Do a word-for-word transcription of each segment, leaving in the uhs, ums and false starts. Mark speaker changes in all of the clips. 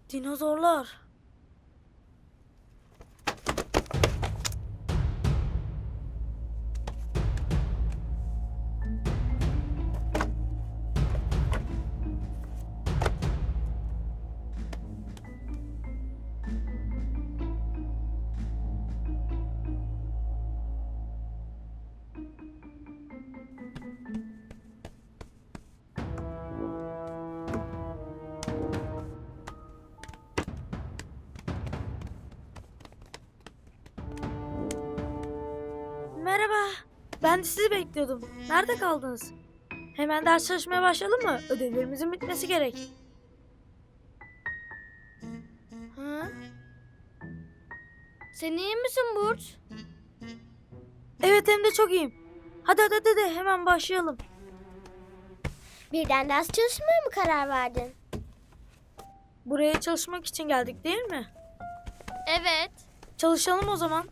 Speaker 1: Dinozorlar. Merhaba. Ben de sizi bekliyordum. Nerede kaldınız? Hemen ders çalışmaya başlayalım mı? Ödevlerimizin bitmesi gerek.
Speaker 2: Hı? Sen iyi misin Burç?
Speaker 1: Evet, hem de çok iyiyim. Hadi hadi hadi, hadi. Hemen başlayalım.
Speaker 2: Birden ders çalışmaya mı karar verdin?
Speaker 1: Buraya çalışmak için geldik değil mi?
Speaker 2: Evet.
Speaker 1: Çalışalım o zaman.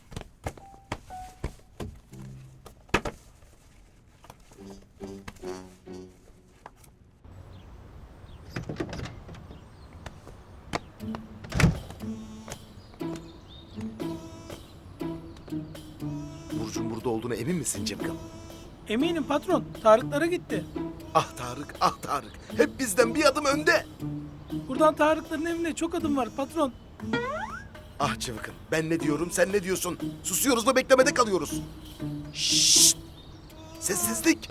Speaker 3: Burcu'nun burada olduğuna emin misin Cemkan?
Speaker 4: Eminim patron. Tarıklara gitti.
Speaker 3: Ah Tarık, ah Tarık. Hep bizden bir adım önde.
Speaker 4: Buradan Tarıkların evine çok adım var patron.
Speaker 3: Ah Cıvıkın, ben ne diyorum, sen ne diyorsun? Susuyoruz da beklemede kalıyoruz. Şşşt! Sessizlik!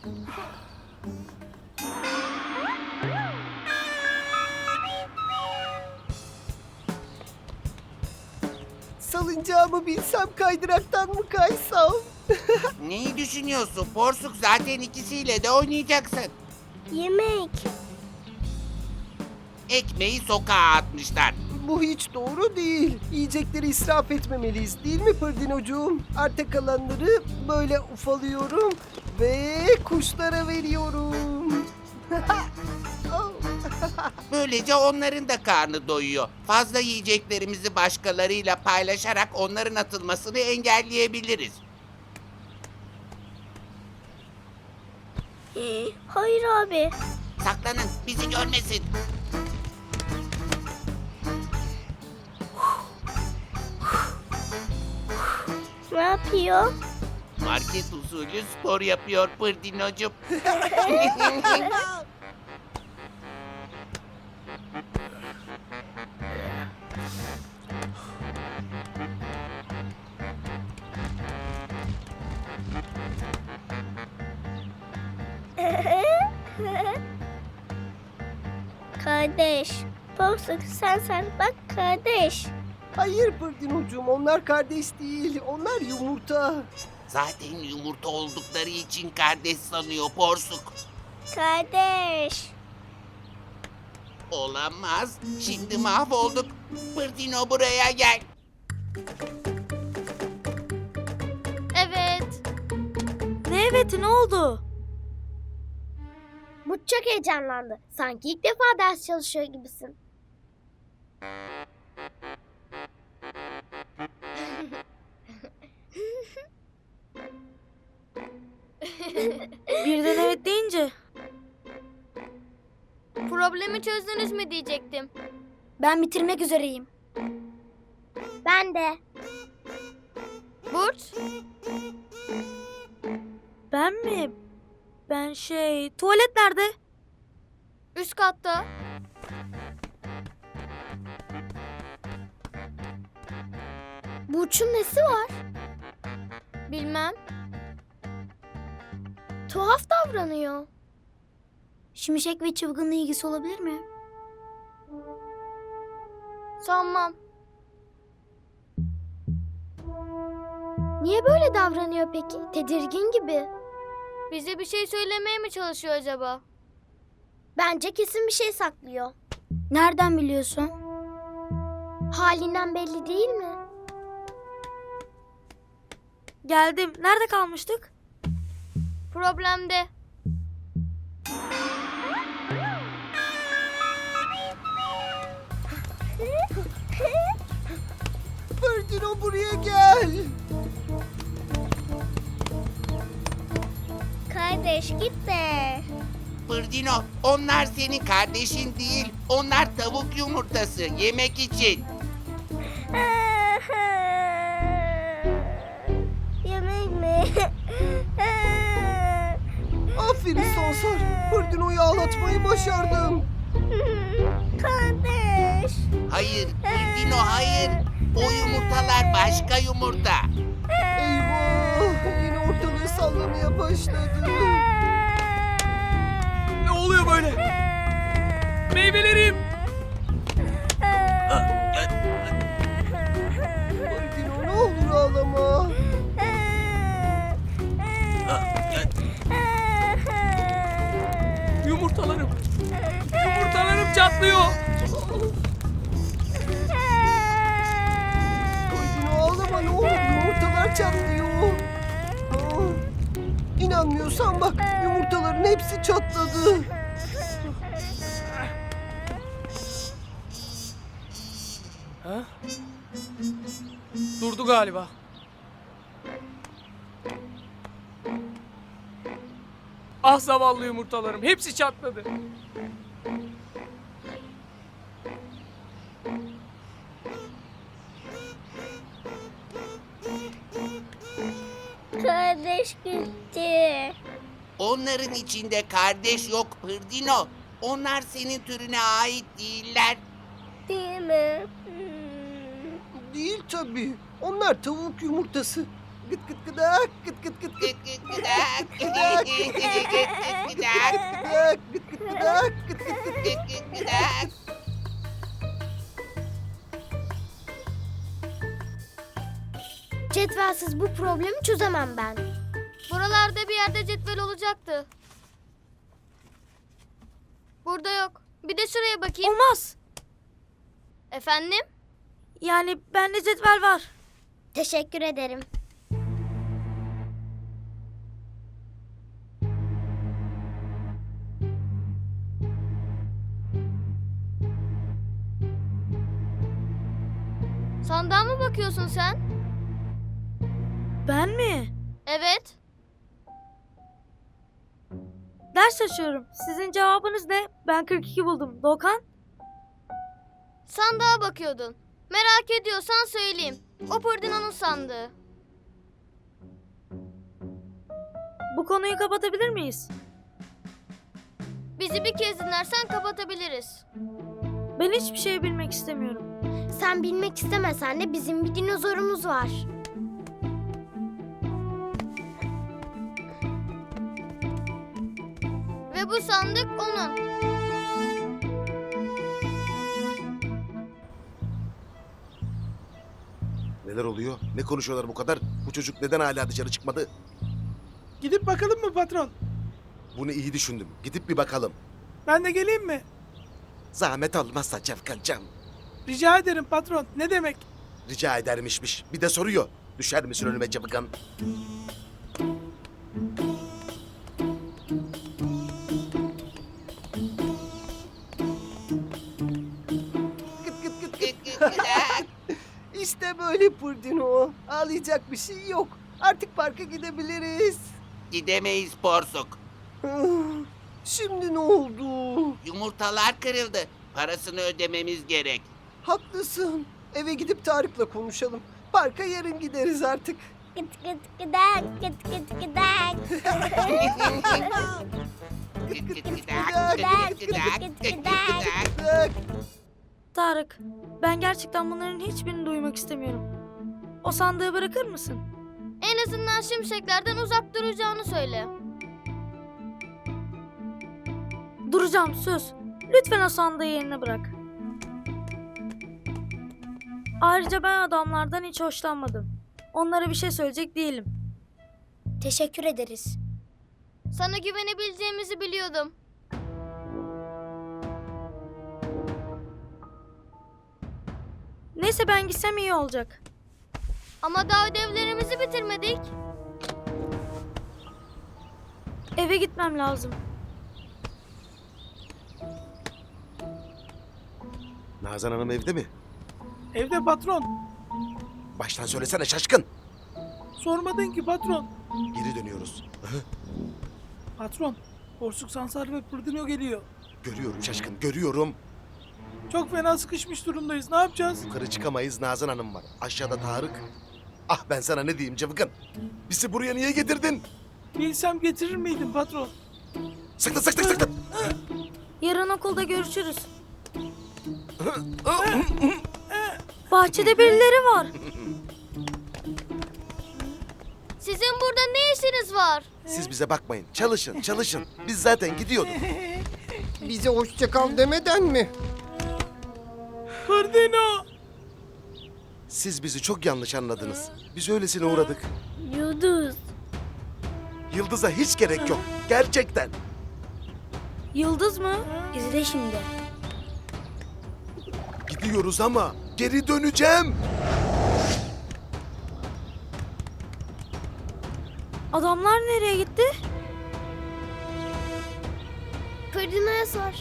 Speaker 5: Salıncağımı bilsem kaydıraktan mı kaysam?
Speaker 6: Neyi düşünüyorsun? Porsuk zaten ikisiyle de oynayacaksın.
Speaker 2: Yemek.
Speaker 6: Ekmeği sokağa atmışlar.
Speaker 5: Bu hiç doğru değil. Yiyecekleri israf etmemeliyiz değil mi Pırdinocuğum? Arta kalanları böyle ufalıyorum ve kuşlara veriyorum. Oh.
Speaker 6: Böylece onların da karnı doyuyor. Fazla yiyeceklerimizi başkalarıyla paylaşarak onların atılmasını engelleyebiliriz.
Speaker 2: Hayır abi.
Speaker 6: Saklanın, bizi görmesin.
Speaker 2: Ne yapıyor?
Speaker 6: Market usulü spor yapıyor Pırdinocuğum.
Speaker 2: Kardeş. Porsuk sen sen bak kardeş.
Speaker 5: Hayır Pırdinocuğum, onlar kardeş değil. Onlar yumurta.
Speaker 6: Zaten yumurta oldukları için kardeş sanıyor Porsuk.
Speaker 2: Kardeş.
Speaker 6: Olamaz. Şimdi mahvolduk. Pırdino buraya gel.
Speaker 2: Evet.
Speaker 1: Ne eveti, ne oldu?
Speaker 2: Burç çok heyecanlandı. Sanki ilk defa ders çalışıyor gibisin.
Speaker 1: Birden evet deyince.
Speaker 2: Problemi çözdünüz mü diyecektim. Ben bitirmek üzereyim. Ben de. Burç.
Speaker 1: Ben mi? Ben şey... Tuvalet nerede?
Speaker 2: Üst katta. Burç'un nesi var? Bilmem. Tuhaf davranıyor. Şimşek ve çılgınla ilgisi olabilir mi? Sanmam. Niye böyle davranıyor peki? Tedirgin gibi. Bize bir şey söylemeye mi çalışıyor acaba? Bence kesin bir şey saklıyor. Nereden biliyorsun? Halinden belli değil mi?
Speaker 1: Geldim. Nerede kalmıştık?
Speaker 2: Problemde.
Speaker 5: Pırdino buraya gel.
Speaker 2: Kardeş gitme.
Speaker 6: Pırdino. Onlar senin kardeşin değil. Onlar tavuk yumurtası yemek için.
Speaker 2: Yemek mi?
Speaker 5: Aferin Sansar. Pırdino'yu ağlatmayı başardım.
Speaker 2: Kardeş.
Speaker 6: Hayır Pırdino hayır. O yumurtalar başka yumurta.
Speaker 5: Eyvah! Yine ortalığı sallamaya başladı.
Speaker 4: Ne oluyor böyle? Meyvelerim.
Speaker 5: Pırdino ne olur ağlama.
Speaker 4: Yumurtalarım. Yumurtalarım çatlıyor.
Speaker 5: Pırdino ağlama ne olur. Yumurtalar çatlıyor. Aa, İnanmıyorsan bak yumurtaların hepsi çatladı.
Speaker 4: Ha? Durdu galiba. Ah zavallı yumurtalarım. Hepsi çatladı.
Speaker 2: Kardeş gitti.
Speaker 6: Onların içinde kardeş yok Pırdino. Onlar senin türüne ait değiller.
Speaker 2: Değil mi? Hmm.
Speaker 5: Değil tabii. Onlar tavuk yumurtası. Gıt gıt gıdak, gıt gıt gıt gıt
Speaker 6: Gıt gıt gıdak. Gıt gıt gıdak.
Speaker 5: gıdak, gıt gıt gıdak, gıt gıt gıt.
Speaker 6: Gıt gıt gıdak.
Speaker 2: Cetvelsiz bu problemi çözemem ben. Buralarda bir yerde cetvel olacaktı. Burada yok. Bir de şuraya bakayım.
Speaker 1: Olmaz.
Speaker 2: Efendim?
Speaker 1: Yani bende cetvel var.
Speaker 2: Teşekkür ederim. Sandığa mı bakıyorsun sen?
Speaker 1: Ben mi?
Speaker 2: Evet.
Speaker 1: Ders çalışıyorum. Sizin cevabınız ne? Ben kırk iki buldum. Doğukan?
Speaker 2: Sandığa bakıyordun. Merak ediyorsan söyleyeyim. O Pırdino'nun sandığı.
Speaker 1: Bu konuyu kapatabilir miyiz?
Speaker 2: Bizi bir kez dinlersen kapatabiliriz.
Speaker 1: Ben hiçbir şey bilmek istemiyorum.
Speaker 2: Sen bilmek istemesen de bizim bir dinozorumuz var. Ve bu sandık onun.
Speaker 3: Neler oluyor? Ne konuşuyorlar bu kadar? Bu çocuk neden hala dışarı çıkmadı?
Speaker 4: Gidip bakalım mı patron?
Speaker 3: Bunu iyi düşündüm. Gidip bir bakalım.
Speaker 4: Ben de geleyim mi?
Speaker 3: Zahmet olmazsa Cevkancam.
Speaker 4: Rica ederim patron. Ne demek?
Speaker 3: Rica edermişmiş. Bir de soruyor. Düşer misin önüme Cevkan?
Speaker 5: Gıt gıt gıt gıt.
Speaker 6: Gıt gıt gıdak.
Speaker 5: İşte böyle Pırdino. Ağlayacak bir şey yok. Artık parka gidebiliriz.
Speaker 6: Gidemeyiz Porsuk.
Speaker 5: Ah, Şimdi ne oldu?
Speaker 6: Yumurtalar kırıldı. Parasını ödememiz gerek.
Speaker 5: Haklısın. Eve gidip Tarık'la konuşalım. Parka yarın gideriz artık.
Speaker 2: Gıt gıt gıdak, gıt gıt gıdak.
Speaker 6: Gıt gıt gıdak. Gıt gıt gıdak. Gıt gıt gıdak.
Speaker 5: Bak,
Speaker 1: Tarık, ben gerçekten bunların hiçbirini duymak istemiyorum. O sandığı bırakır mısın?
Speaker 2: En azından şimşeklerden uzak duracağını söyle.
Speaker 1: Duracağım, söz. Lütfen o sandığı yerine bırak. Ayrıca ben adamlardan hiç hoşlanmadım. Onlara bir şey söyleyecek değilim.
Speaker 2: Teşekkür ederiz. Sana güvenebileceğimizi biliyordum.
Speaker 1: Neyse ben gitsem iyi olacak.
Speaker 2: Ama daha ödevlerimizi bitirmedik.
Speaker 1: Eve gitmem lazım.
Speaker 3: Nazan Hanım evde mi?
Speaker 4: Evde patron.
Speaker 3: Baştan söylesene şaşkın.
Speaker 4: Sormadın ki patron.
Speaker 3: Geri dönüyoruz.
Speaker 4: Patron.
Speaker 7: Porsuk Sansar ve Pırdino geliyor.
Speaker 3: Görüyorum şaşkın, görüyorum.
Speaker 7: Çok fena sıkışmış durumdayız. Ne yapacağız?
Speaker 3: Yukarı çıkamayız, Nazan Hanım var. Aşağıda Tarık. Ah ben sana ne diyeyim Cıvıkın. Bizi buraya niye getirdin?
Speaker 7: Bilsem getirir miydim patron?
Speaker 3: Sıktın sıktın sıktın.
Speaker 1: Yarın okulda görüşürüz. Bahçede birileri var.
Speaker 2: Sizin burada ne işiniz var?
Speaker 3: Siz bize bakmayın. Çalışın, çalışın. Biz zaten gidiyorduk.
Speaker 5: Bize hoşça kal demeden mi?
Speaker 7: Pırdino!
Speaker 3: Siz bizi çok yanlış anladınız. Biz öylesine uğradık.
Speaker 1: Yıldız.
Speaker 3: Yıldız'a hiç gerek yok. Gerçekten.
Speaker 1: Yıldız mı? İzle şimdi.
Speaker 3: Gidiyoruz ama geri döneceğim.
Speaker 1: Adamlar nereye gitti?
Speaker 2: Pırdino'ya sor.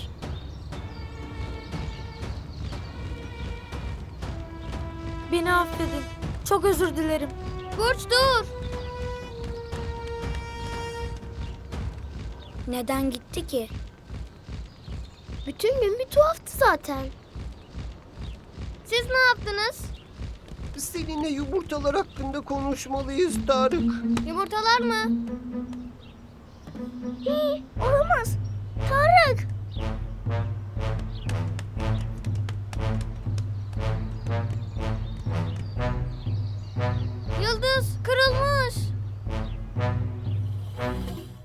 Speaker 1: Beni affedin. Çok özür dilerim.
Speaker 2: Burç dur.
Speaker 1: Neden gitti ki?
Speaker 2: Bütün gün bir tuhaftı zaten. Siz ne yaptınız?
Speaker 5: Seninle yumurtalar hakkında konuşmalıyız Tarık.
Speaker 2: Yumurtalar mı? Hii, olamaz. Tarık.